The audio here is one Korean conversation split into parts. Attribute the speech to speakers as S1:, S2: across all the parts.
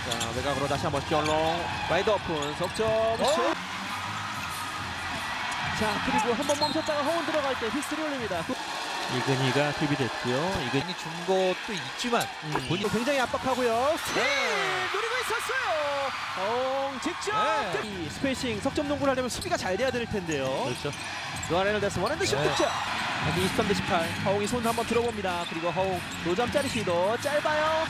S1: 자, 외곽으로 다시 한번 셜롱 와이드 오픈 석점 슛. 자, 그리고 한번 멈췄다가 허운 들어갈 때 휘슬이 올립니다. 이근희가 투입됐고요.
S2: 이근희 준 것도 있지만
S1: 본인 굉장히 압박하고요. 노리고 있었어요. 허웅 직접 이 스페이싱 석점 농구를 하려면 수비가 잘 돼야 될 텐데요.
S2: 그렇죠.
S1: 노아 레널드스 원핸드 슛 득점. 23대 18. 허웅이 손 한번 들어봅니다. 그리고 허웅 노점짜리 시도 짧아요.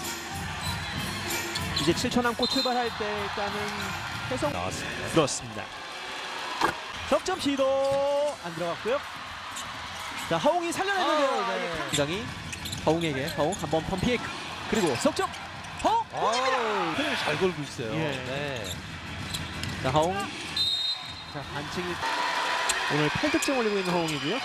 S1: 이제 7초 남고 출발할 때 일단은 해성
S2: 나왔습니다.
S1: 그렇습니다. 석점 시도 안 들어갔고요. 자, 허웅이 살려냈는데요. 굉장히 허웅에게 허웅 한번 펌픽 그리고 석점 허웅입니다.
S2: 그냥 잘 걸고 있어요.
S1: 예.
S2: 네.
S1: 자, 허웅. 자, 반칙이 오늘 8득점 올리고 있는 허웅이고요.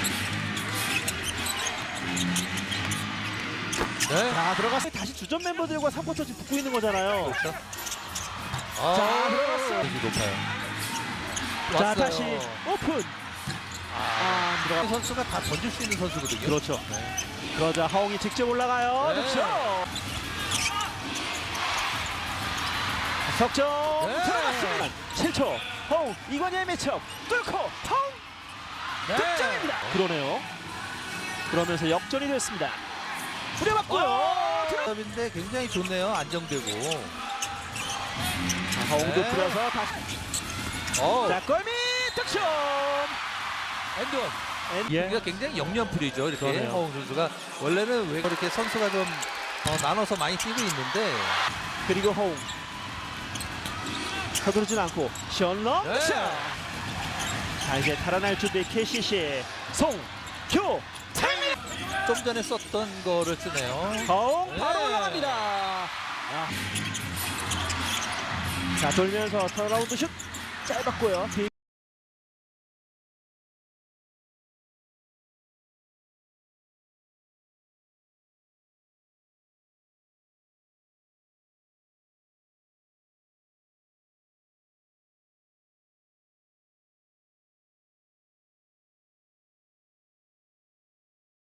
S2: 네.
S1: 자, 들어가서 다시 주전 멤버들과 3쿼터 지금 붙고 있는 거잖아요.
S2: 그렇죠.
S1: 자, 들어갔어.
S2: 높아요.
S1: 자,
S2: 왔어요.
S1: 다시 오픈. 안
S2: 이
S1: 들어가.
S2: 선수가 다 던질 수 있는 선수거든요.
S1: 그렇죠.
S2: 네.
S1: 그러자 허웅이 직접 올라가요.
S2: 네.
S1: 득점. 석점
S2: 네.
S1: 들어갔습니다. 7초. 허웅 이관희의 매첩 뚫고 허웅
S2: 네.
S1: 득점입니다. 그러네요. 그러면서 역전이 됐습니다. 뿌려봤고요.
S2: 인데 굉장히 좋네요. 안정되고.
S1: 자, 허웅도
S2: 네.
S1: 풀어서 다시. 자, 골밑 득점.
S2: 엔드원.
S1: 예.
S2: 여기가 굉장히 영면풀이죠. 이렇게
S1: 그러네요.
S2: 허웅 선수가 원래는 왜 이렇게 선수가 좀 나눠서 많이 뛰고 있는데
S1: 그리고 허웅 서두르진 않고 션러
S2: 네.
S1: 자, 이제 달아날 준비 KCC 송규 타입니다.
S2: 좀 전에 썼던 거를 쓰네요.
S1: 허웅 바로
S2: 네.
S1: 올라갑니다. 자, 돌면서 턴라운드 슛 짧았고요.